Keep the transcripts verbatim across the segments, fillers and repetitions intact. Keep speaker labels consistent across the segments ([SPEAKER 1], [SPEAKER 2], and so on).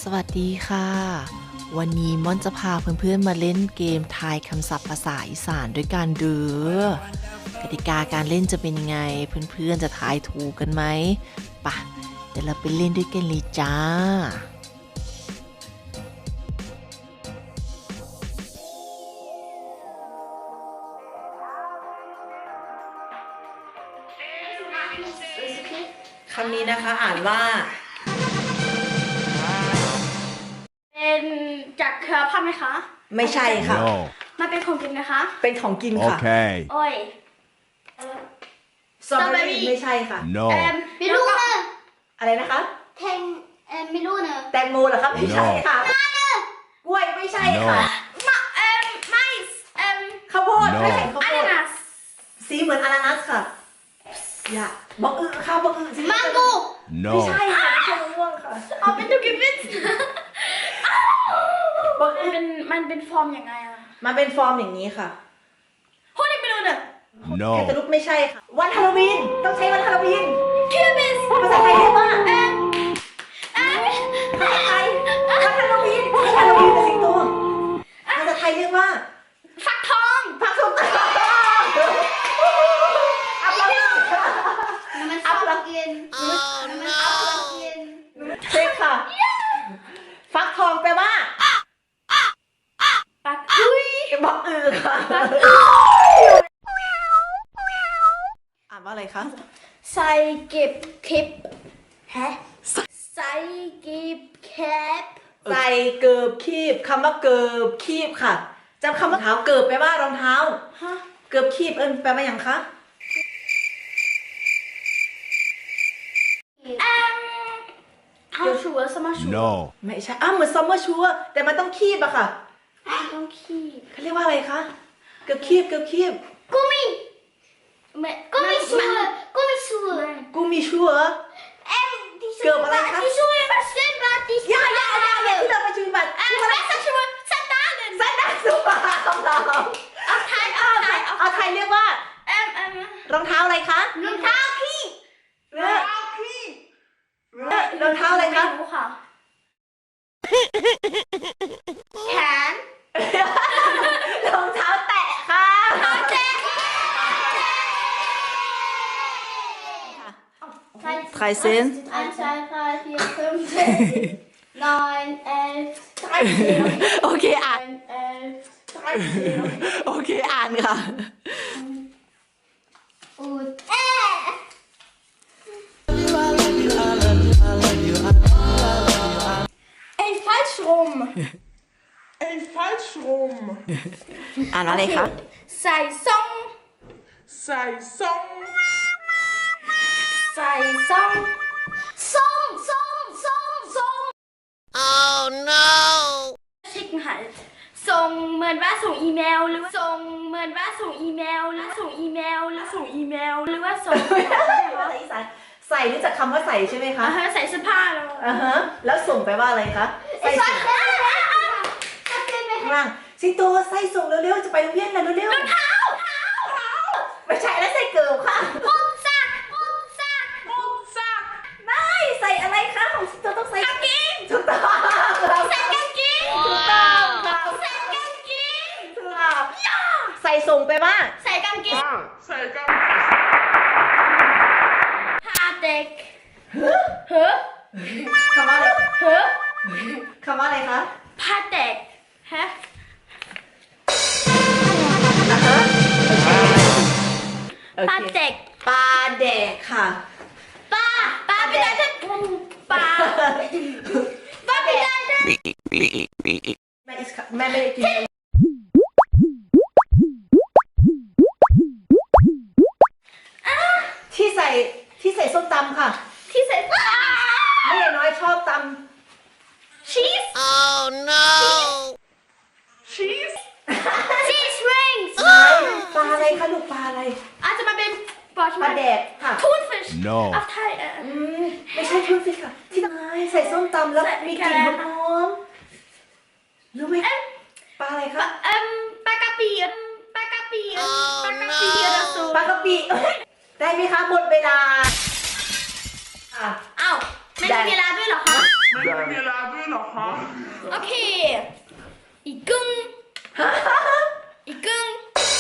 [SPEAKER 1] สวัสดีค่ะวันนี้ม่อนจะพาเพื่อนๆมาเล่นเกมทายคำศัพท์ภาษาอีสานด้วยกันเด้อกติกาการเล่นจะเป็นยังไงเพื่อนๆจะทายถูกกันไหมปะเดี๋ยวเราไปเล่นด้วยกันเลยจ้า
[SPEAKER 2] คำนี้นะคะอ่านว่า
[SPEAKER 3] เป็นจากเครือพันธุ์ไหมคะ
[SPEAKER 2] ไม่ใช่ค่ะ
[SPEAKER 4] No.
[SPEAKER 3] มันเป็นของกินนะคะ
[SPEAKER 2] เป็นของกินค่ะ
[SPEAKER 4] Okay.
[SPEAKER 3] โอ้ย
[SPEAKER 2] สตรอเบอรี่ไม่ใช่ค่ะ
[SPEAKER 4] No.
[SPEAKER 3] เอ็ม
[SPEAKER 5] ไม่รู้นะ
[SPEAKER 2] อะไรนะคะ
[SPEAKER 5] แทงเอ่อไม่รู้นะ
[SPEAKER 2] แตงโมเหรอครับไม่ใช่ค่ะกล้วยไม่ใช่ค่ะ
[SPEAKER 4] No.
[SPEAKER 3] มะเอ็มไมซ์เอ็ม
[SPEAKER 2] ข้าวโพด
[SPEAKER 4] No
[SPEAKER 2] ไม่ใช่ข้าว
[SPEAKER 3] อา
[SPEAKER 2] โพ
[SPEAKER 3] นา
[SPEAKER 2] ด
[SPEAKER 3] นัส
[SPEAKER 2] สีเหมือนอานานัสค่ะอย่าบอกอึข้าวบอกอึสี
[SPEAKER 5] มังโก้
[SPEAKER 2] ไม่ใช่
[SPEAKER 4] No.
[SPEAKER 2] ค่ะไม่ใช่มะม่วงค่ะ
[SPEAKER 3] เอาเป็นตุกิบิส
[SPEAKER 2] บอก
[SPEAKER 3] มัน
[SPEAKER 2] อึ
[SPEAKER 3] เป็นมันเป็นฟอร์มยังไงอะ
[SPEAKER 2] มันเป็นฟอร์มอย่างนี้ค่ะ
[SPEAKER 3] พูดอีกไม่รู้เนี่ย
[SPEAKER 2] แคนตา
[SPEAKER 4] No.
[SPEAKER 2] ลูปไม่ใช่ค่ะวันฮาโลวีนต้องใช้วันฮาโลวีน
[SPEAKER 3] คิวบิส
[SPEAKER 2] ภาษาไทยเรียกว่า
[SPEAKER 3] เอ็มเอ็ม
[SPEAKER 2] ภาษาไทยวันฮาโลวีนวันฮาโลวีนเป็นสิงโตภาษาไทยเรียกว่า
[SPEAKER 3] ฟักทอง
[SPEAKER 2] ผักสดอัพลัง
[SPEAKER 5] น้ำมันชอบกินน้ำมันชอบกิน
[SPEAKER 2] เช็คค่ะ ฟักทองแปลว่า
[SPEAKER 3] ปักอุ้ย
[SPEAKER 2] บอกอือค่ะอ่านว่าอะไรคะ
[SPEAKER 3] ใส่เก็บคลิปฮะใส่เก็บแคป
[SPEAKER 2] ใส่เกิบคีบคำว่าเกิบคีบค่ะจำคำว่าเท้าเกิบแปลว่ารองเท้า
[SPEAKER 3] ฮะ
[SPEAKER 2] เกิบคีบเอิญแปลว่าอย่างคะ
[SPEAKER 3] เอ็มเอาชัวร์สมาชัวร์
[SPEAKER 4] No.
[SPEAKER 2] ไม่ใช่อ้าวเหมือนซัมเมอร์ชัวแต่มันต้องคีบอะค่ะ
[SPEAKER 3] ต้องขี้
[SPEAKER 2] เขาเรียกว่าอะไรคะเกิบคีบเกิบคีบ
[SPEAKER 5] กูมี
[SPEAKER 3] ไม่
[SPEAKER 5] กูมีชัวร์กูมีชัวร์
[SPEAKER 2] กูมีชัว
[SPEAKER 5] เอ็มที่ชัว
[SPEAKER 2] เกิบอะไรคะ
[SPEAKER 5] ที่ชัวร์มาเส้นมาที่ชั
[SPEAKER 2] ย่าว ย่าย่าย่าที่เราไปชูบัตร
[SPEAKER 3] เอ็ม
[SPEAKER 2] ชื่ออะไร
[SPEAKER 3] ไม่ใช่ชัวร์สตาร์เดน
[SPEAKER 2] สันดาสุภาพของเรา
[SPEAKER 3] เอาไทยเอาไทยเอา
[SPEAKER 2] เอาไทยเรียกว่า
[SPEAKER 3] เอ็มเอ็ม
[SPEAKER 2] รองเท้าอะไรคะ
[SPEAKER 5] รองเท้าขี้
[SPEAKER 2] เออเออรองเท้าอะไรคะ
[SPEAKER 3] ไม่รู้ค่ะแขน
[SPEAKER 2] รองเท้าแตะค่ะ
[SPEAKER 3] เจ๊
[SPEAKER 2] ใครเซน
[SPEAKER 5] อันใช่ค่ะที่เพิ่มเจ็ด nine eight
[SPEAKER 2] โอเคอ่าน
[SPEAKER 5] eight
[SPEAKER 2] โอเคอ่านค่ะ
[SPEAKER 5] อูดเอ๊ะ
[SPEAKER 3] เอ็นฟัลช์รุม
[SPEAKER 6] Een falschrum.
[SPEAKER 2] อ่านว่าอะไรคะ
[SPEAKER 3] ใส่ซ่อง
[SPEAKER 6] Zij zong.
[SPEAKER 3] ใส่ซ่อง
[SPEAKER 5] ส่งส่งส่งส่ง
[SPEAKER 3] ชิคหันส่งเหมือนว่าส่งอีเมลหรือว่าส่งเหมือนว่าส่งอีเมลหรือส่งอีเมลหรือส่งอีเมลหรือว่าส่ง
[SPEAKER 2] ภาษาอีสานใส่รู้จักคำว่าใส่ใช่ไหมคะ
[SPEAKER 3] อ่าฮะใส่เสื้อผ้าแล้ว
[SPEAKER 2] อ่าฮะแล้วส่งไปว่าอะไรคะใส่ส่ง
[SPEAKER 5] จะเป็นไหม
[SPEAKER 2] ข้างล่างสิงโตใส่ส่งเร็วๆจะไปโรงเรียนแล้วเร็วๆรองเท้าไม่ใช่แล้วใส่เกิบค่ะ
[SPEAKER 3] ปุ๊บซักปุ๊บซัก
[SPEAKER 6] Rugzak.
[SPEAKER 2] ไม่ใส่อะไรคะของสิงโตต้องใส่
[SPEAKER 3] กางเกง
[SPEAKER 2] ถูกต้อง
[SPEAKER 3] ใส่กางเกง
[SPEAKER 2] ถูกต้องค่ะ
[SPEAKER 3] ใส่กางเกง
[SPEAKER 2] ถูกต้องใส่ส่งไปว่า
[SPEAKER 3] ใส่กางเกง
[SPEAKER 6] Zij kan.
[SPEAKER 3] พาเด็กเฮ้อ
[SPEAKER 2] คำว่าอะไร
[SPEAKER 3] เฮ้อ
[SPEAKER 2] คำว่าอะไรคะ
[SPEAKER 3] พาเด็กฮะ
[SPEAKER 2] อ่าฮะโอ
[SPEAKER 3] พา
[SPEAKER 2] เค
[SPEAKER 3] เด็ก
[SPEAKER 2] ปลาแดกค่ะ
[SPEAKER 3] ป้าป้าไม่ได้จะป้าป้าไม่ได้จะ
[SPEAKER 2] แม่อิสค่ะแม่ไม่ได้กินที่ใส่ที่ใส่ส้มตำค่ะ
[SPEAKER 3] ที่ใส่
[SPEAKER 2] แม่น้อยชอบต
[SPEAKER 3] ชีส
[SPEAKER 6] Cheese.
[SPEAKER 3] ชีสริงส์
[SPEAKER 2] ำปลาอะไรคะลูกปลาอะไร
[SPEAKER 3] อาจจะมาเป็นปลา
[SPEAKER 2] ปลาแดกค่ะ
[SPEAKER 3] ทูนฟิช
[SPEAKER 4] No
[SPEAKER 3] อ่ะไทยเอ่อ
[SPEAKER 2] อืมไม่ใช่ทุนสิค่ะ ที่ทำไมใส่ส้มตำแล้ว
[SPEAKER 3] ใส่
[SPEAKER 2] มี
[SPEAKER 3] แค
[SPEAKER 2] กลิ่น
[SPEAKER 3] ร
[SPEAKER 2] หอมๆรู้ไหมปลาอะไรคะ
[SPEAKER 3] เอ่มปลากระปีปลากระปีปลากระปีระสู
[SPEAKER 2] ปลากระปิได้ไหมคะหมดเวลาอ่ะ
[SPEAKER 3] อ้าวไม่มีเวลาด้วยเหรอคะ
[SPEAKER 2] ไ
[SPEAKER 6] ไม่มีเวลาด้วยเหรอคะ
[SPEAKER 3] โอเค อีกกึ่งอีกกึ่ง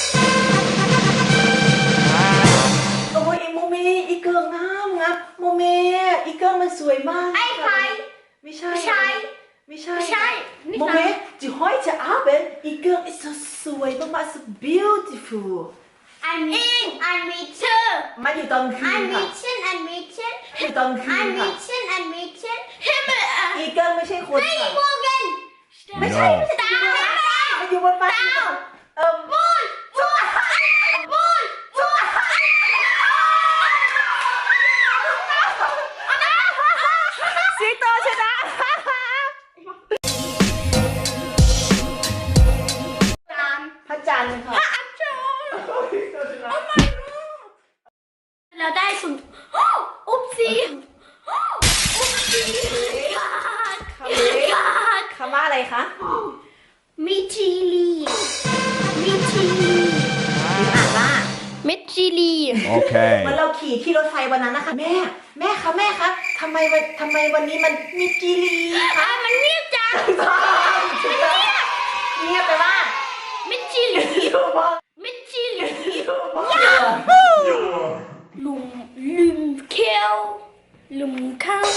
[SPEAKER 2] โอ้ยโมเมอีเกิงงามงามโมเมอีเกิงมันสวยมาก
[SPEAKER 3] ไอ้ใคร
[SPEAKER 2] ไม่ใช่
[SPEAKER 3] ไม่ใช่
[SPEAKER 2] ไม่ใช่
[SPEAKER 3] ไม่ใช่นี่
[SPEAKER 2] โม
[SPEAKER 3] นะ
[SPEAKER 2] เมจีห้อยจะอาเป็นอีเกิง is so สวยมากๆ so beautiful
[SPEAKER 5] อันนี้อันนี้ชื่อ
[SPEAKER 2] มาอยู่ตอนคื
[SPEAKER 5] อั
[SPEAKER 2] น
[SPEAKER 5] น
[SPEAKER 2] ค่ะ
[SPEAKER 5] นี้ชื่ออันนี้ชื่อ
[SPEAKER 2] อยู่ตอนคื
[SPEAKER 5] อั
[SPEAKER 2] น
[SPEAKER 5] น
[SPEAKER 2] ค่ะ
[SPEAKER 5] นี้ชื่ออันนี้ชื่อ
[SPEAKER 3] Himmel
[SPEAKER 2] อีเกิงไม่ใช่คนค่ะ
[SPEAKER 5] โมเกน
[SPEAKER 2] ไม่ใช่
[SPEAKER 4] No.
[SPEAKER 2] ไม่ใช่มาอยู่บนฟ้าเอิ่ม
[SPEAKER 5] มูนมูนมูนมูน
[SPEAKER 2] สิงโตชนะ
[SPEAKER 3] ตาม
[SPEAKER 2] พระจันทร์ค่ะ
[SPEAKER 3] อัจฉริยะแล้วได้สุนอุ๊บซีอุ๊บซีขาด
[SPEAKER 2] คำนี้
[SPEAKER 3] ขาด
[SPEAKER 2] คำว่าอะไรคะ
[SPEAKER 3] มิจิลีมิจิลี
[SPEAKER 2] อ่านว่า
[SPEAKER 3] มิจิลี
[SPEAKER 4] Okay.
[SPEAKER 2] เหมือนเราขี่ที่รถไฟวันนั้นนะคะ แม่ แม่คะแม่คะทำไมวันทำไมวันนี้มันมีจีรีคะ
[SPEAKER 3] อ่ะมันเงียบจัง
[SPEAKER 2] เงียบไปว่า
[SPEAKER 3] มิจิลี
[SPEAKER 2] อยู่บ้าง
[SPEAKER 3] มิจิลี
[SPEAKER 2] อยู่บ้าง
[SPEAKER 3] ลุมลืมเคียวลืมข้าว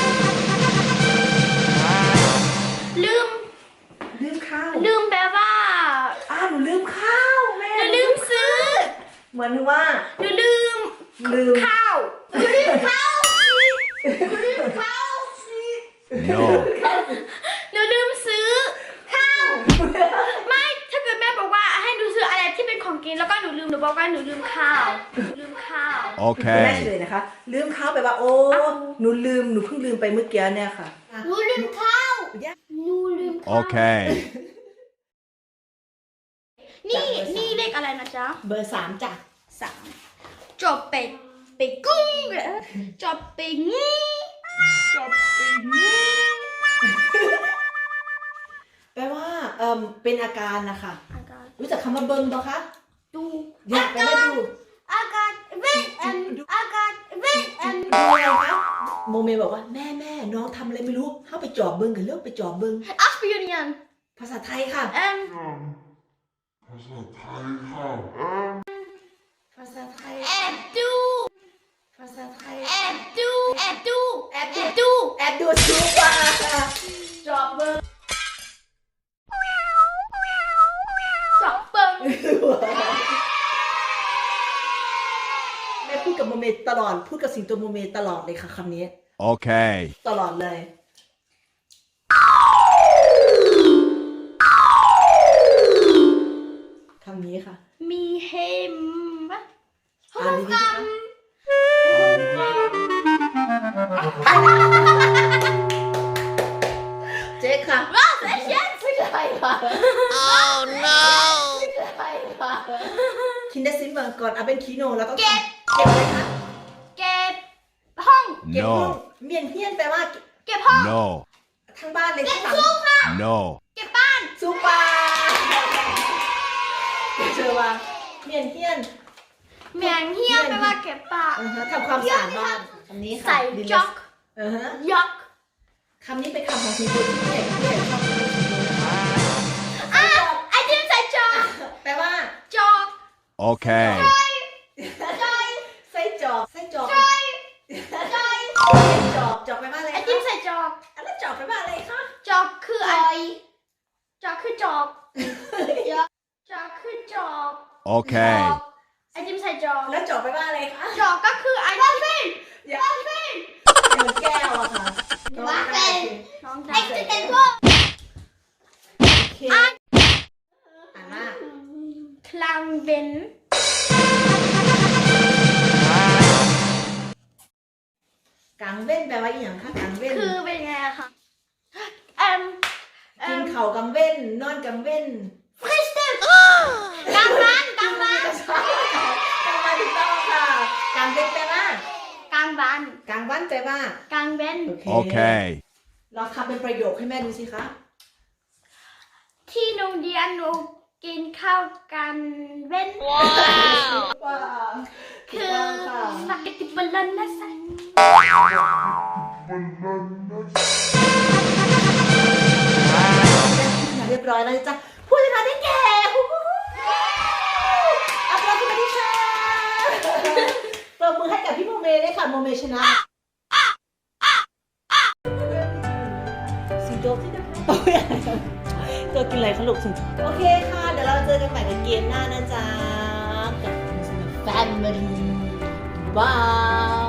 [SPEAKER 3] ลืม
[SPEAKER 2] ลืมข้าว
[SPEAKER 3] ลืมแปลว่า
[SPEAKER 2] อ้าวหนูลืมข้าวแม่
[SPEAKER 3] หนูลืมซื้อ
[SPEAKER 2] เหมือนว่า
[SPEAKER 3] หนูลืม
[SPEAKER 2] ลืม
[SPEAKER 3] ข้าวหนูลืมข้าว
[SPEAKER 4] No.
[SPEAKER 3] หนูลืมซื้อข้าวไม่ถ้าเกิดแม่บอกว่าให้หนูซื้ออะไรที่เป็นของกินแล้วก็หนูลืมหนูบอกว่าหนูลืมข้าวหนูลืมข้าว
[SPEAKER 2] แม่เฉ
[SPEAKER 4] Okay.
[SPEAKER 2] ลยนะคะ ลืมข้าวไปว่า โอ้หนูลืมหนูเพิ่งลืมไปเมื่อกี้เนี่ยค่ะ
[SPEAKER 5] หนูลืมข้าวหนูลืมข้าว
[SPEAKER 4] Okay.
[SPEAKER 3] นี่นี่เลขอะไรนะจ๊ะ
[SPEAKER 2] เบอร์สามจ้ะ
[SPEAKER 3] สามจบไปไปกุ้งเหรอจบไปงี้
[SPEAKER 6] จบปีนี้
[SPEAKER 2] แปลว่าเอ่มเป็นอาการนะคะ
[SPEAKER 3] อาการ
[SPEAKER 2] รู้จักคำว่าเบิ้งปะคะ
[SPEAKER 3] ดู
[SPEAKER 2] อยากแปลว่าดู
[SPEAKER 5] อากาศเวทอันอากาศเวทอัน
[SPEAKER 2] ดูอะไรคะโมเมบอกว่าแม่แม่น้องทำอะไรไม่รู้เข้าไปจอบเบิ้งกันเลิกไปจอบเบิ้ง
[SPEAKER 3] อัสเปียเนียน
[SPEAKER 2] ภาษาไทยค่ะ
[SPEAKER 3] เอ็ม
[SPEAKER 6] ภาษาไทยค่ะ
[SPEAKER 2] ภาษาไทย
[SPEAKER 3] แอบดู
[SPEAKER 2] ภาษาไทย
[SPEAKER 3] แอบดูแอบดูแอบดู
[SPEAKER 2] แอบดูชูกว่าจอบเบิ้ง
[SPEAKER 3] จอบเปิง
[SPEAKER 2] แม่พูดกับโมเมตลอดพูดกับสิงโตโมเมตลอดเลยค่ะคำนี้
[SPEAKER 4] Okay.
[SPEAKER 2] ตลอดเลย คำนี้ค่ะ
[SPEAKER 3] มีเฮมวะ
[SPEAKER 2] อ่านดีๆนะคะเจ๊ค่ะ
[SPEAKER 3] ว้าวเอเชียน
[SPEAKER 2] ไม่ใช่ค่ะ ไม่ใช่ค่ะคินเดซิมเบอร์ก่อนเอาเป็นคีโนแล้วต้อง
[SPEAKER 3] เก็บ
[SPEAKER 2] เก็บเลยคะ
[SPEAKER 3] เก็บห้อง
[SPEAKER 2] เก็บห้อง
[SPEAKER 4] No.
[SPEAKER 2] เมียนเฮียนแปลว่า
[SPEAKER 3] เก็บห้อง
[SPEAKER 4] No.
[SPEAKER 2] ทั้งบ้านเลยทั้งหลัง
[SPEAKER 4] No.
[SPEAKER 3] เก็บบ้าน
[SPEAKER 2] ซูปาเชื่อว่าเมียนเฮียน
[SPEAKER 3] เหมียงเฮียแปลว่าเก็บปาก
[SPEAKER 2] อือฮะทำความสะอาดบ้านคำนี้ค่ะ
[SPEAKER 3] ใส่
[SPEAKER 2] ดีเลย
[SPEAKER 3] จ็อก
[SPEAKER 2] อือฮะ
[SPEAKER 3] ยอก
[SPEAKER 2] คำนี้เป็นคำของสิงโตที่พี่ใหญ่กับพี่ใหญ่ชอบพูดสิงโตนะคะ
[SPEAKER 3] อ่ะไอจิมใส่จอก
[SPEAKER 2] แปลว่า
[SPEAKER 3] จอก
[SPEAKER 4] Okay.
[SPEAKER 2] ไส้จอกไส้จอก
[SPEAKER 3] จอย
[SPEAKER 2] ไส้จอกจอกแปลว่าอะไร
[SPEAKER 3] ไอ
[SPEAKER 2] คะ
[SPEAKER 3] จิมใส่จอก
[SPEAKER 2] อันนั้นจอกแปลว่าอะไรคะ
[SPEAKER 3] จอกคืออะไรจอกคือจอกจอกคือจอก
[SPEAKER 4] Okay.
[SPEAKER 3] ไอจิมใส่จอก
[SPEAKER 2] แล้วจอกแปลว่าอะไรคะ
[SPEAKER 3] จอกก็คือไอจิม
[SPEAKER 2] อย่าอย่างแก้วอะค่ะ
[SPEAKER 5] ว่าเป็น
[SPEAKER 3] น้อง
[SPEAKER 5] ไอ้
[SPEAKER 3] ดา
[SPEAKER 5] จะเป็นพวก
[SPEAKER 2] โอเคอ่านว่า
[SPEAKER 3] คลังเบน
[SPEAKER 2] กางเว้นแปลว่าอหย่างคะกางเว้น
[SPEAKER 3] คือเป็นไงอะคะเอ็มเอ็
[SPEAKER 2] กิน
[SPEAKER 3] ม
[SPEAKER 2] เข่าวกางเว้นนอนกางเว้น
[SPEAKER 3] ฟริสติฟกลางบ้านกลางบ้าน
[SPEAKER 2] กางวันถูกต้องค่ะกางเว้นแปลว่าก
[SPEAKER 3] ลางบ้าน
[SPEAKER 2] กางวันแปลว่าก
[SPEAKER 3] ลางเบน
[SPEAKER 2] โอเค
[SPEAKER 4] Okay.
[SPEAKER 2] เราทำเป็นประโยคให้แม่ดูสิคะ
[SPEAKER 3] ที่โรงเรียนหนูกินข้าวกันเว้น
[SPEAKER 2] ว้าว
[SPEAKER 3] คือสปาเกตติบอลลอนนะสัน
[SPEAKER 6] มันนั่นนะ
[SPEAKER 2] ร้อยแล้วจ้ะผู้ชนะได้แก่อัปโหลดสวัสดีค่ะปรบมือให้กับพี่โมเมด้วยค่ะโมเมชนะสิงโตที่ตัวกินอะไรคะลูกสิงโอเคค่ะเดี๋ยวเราเจอกันใหม่ในเกมหน้านะจ๊ะกับแฟนมิลี่บาย